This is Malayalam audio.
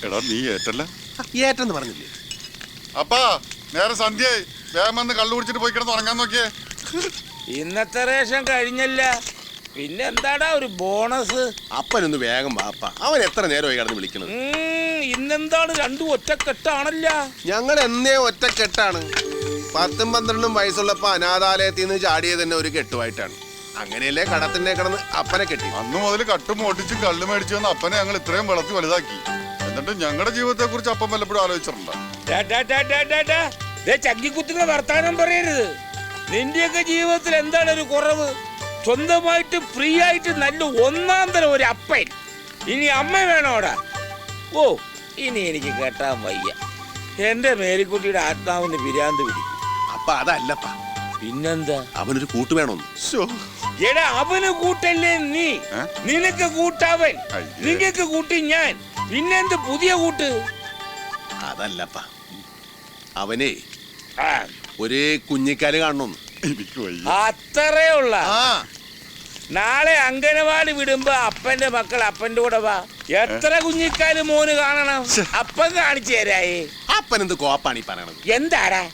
എടാ നീ ഏറ്റല്ല ഏറ്റെന്ന് പറഞ്ഞില്ലേ? അപ്പാ നേരെ സന്ധ്യയായി, വേഗം വന്ന് കള്ളു കുടിച്ചിട്ട് പോയി കിടന്ന് ഉറങ്ങാൻ നോക്കിയേ. ഇന്നത്തെ റേഷൻ കഴിഞ്ഞല്ല, പിന്നെ എന്താടാ ഒരു ബോണസ്? അപ്പനൊന്ന് വേഗം വാപ്പ, അവൻ എത്ര നേരമായി കിടന്ന് വിളിക്കണത്? ഇന്നെന്താണ് രണ്ടും ഒറ്റക്കെട്ടാണല്ല? ഞങ്ങൾ എന്നേ ഒറ്റക്കെട്ടാണ്. 10-12 വയസ്സുള്ളപ്പോ അനാഥാലയത്തിൽ നിന്ന് ചാടിയത് തന്നെ ഒരു കെട്ടുമായിട്ടാണ്. അങ്ങനെയല്ലേ കടത്തിനെ കിടന്ന് അപ്പനെ കെട്ടി. അന്ന് മുതൽ കട്ടും ഓട്ടിച്ചും കള്ളു മേടിച്ചു വന്ന അപ്പനെ ഞങ്ങൾ ഇത്രയും വളർത്തി വലുതാക്കി. എന്നിട്ട് ഞങ്ങളുടെ ജീവിതത്തെ കുറിച്ച് അപ്പം വല്ലപ്പോഴും ആലോചിച്ചിട്ടുണ്ടോ? ചങ്കിക്കുത്തുന്ന വർത്താനം പറയരുത്. നിന്റെയൊക്കെ ജീവിതത്തിൽ എന്താണ് ഒരു കുറവ്? സ്വന്തമായിട്ട് ഫ്രീ ആയിട്ട് നല്ല ഒന്നാം തരം ഒരു അപ്പൻ. ഇനി അമ്മ വേണോടാ? ഓ, ഇനി എനിക്ക് കേട്ടാൻ വയ്യ. എന്റെ മേരിക്കുട്ടിയുടെ ആത്മാവിന് പിരാന്ത് പിടിക്കും. അപ്പ അതല്ലപ്പാ, പിന്നെന്താ? അവനൊരു കൂട്ട് വേണമെന്ന്. എടാ, അവന് കൂട്ടല്ലേ നീ, നിനക്ക് കൂട്ടവൻ, നിങ്ങക്ക് കൂട്ടി ഞാൻ, പിന്നെന്ത് പുതിയ കൂട്ട്? അതല്ലപ്പാ, അവനെ ഒരേ കുഞ്ഞിക്കാല് കാണണമെന്ന്. അത്രേ ഉള്ള. നാളെ അംഗനവാടി വിടുമ്പോ അപ്പന്റെ മക്കൾ അപ്പന്റെ കൂടെ വാ. എത്ര കുഞ്ഞിക്കാല് മോന് കാണണം? അപ്പൻ കാണിച്ചു തരായേ. അപ്പൻ എന്ത് കോപ്പാണ് ഈ പറയണത്? എന്താടാ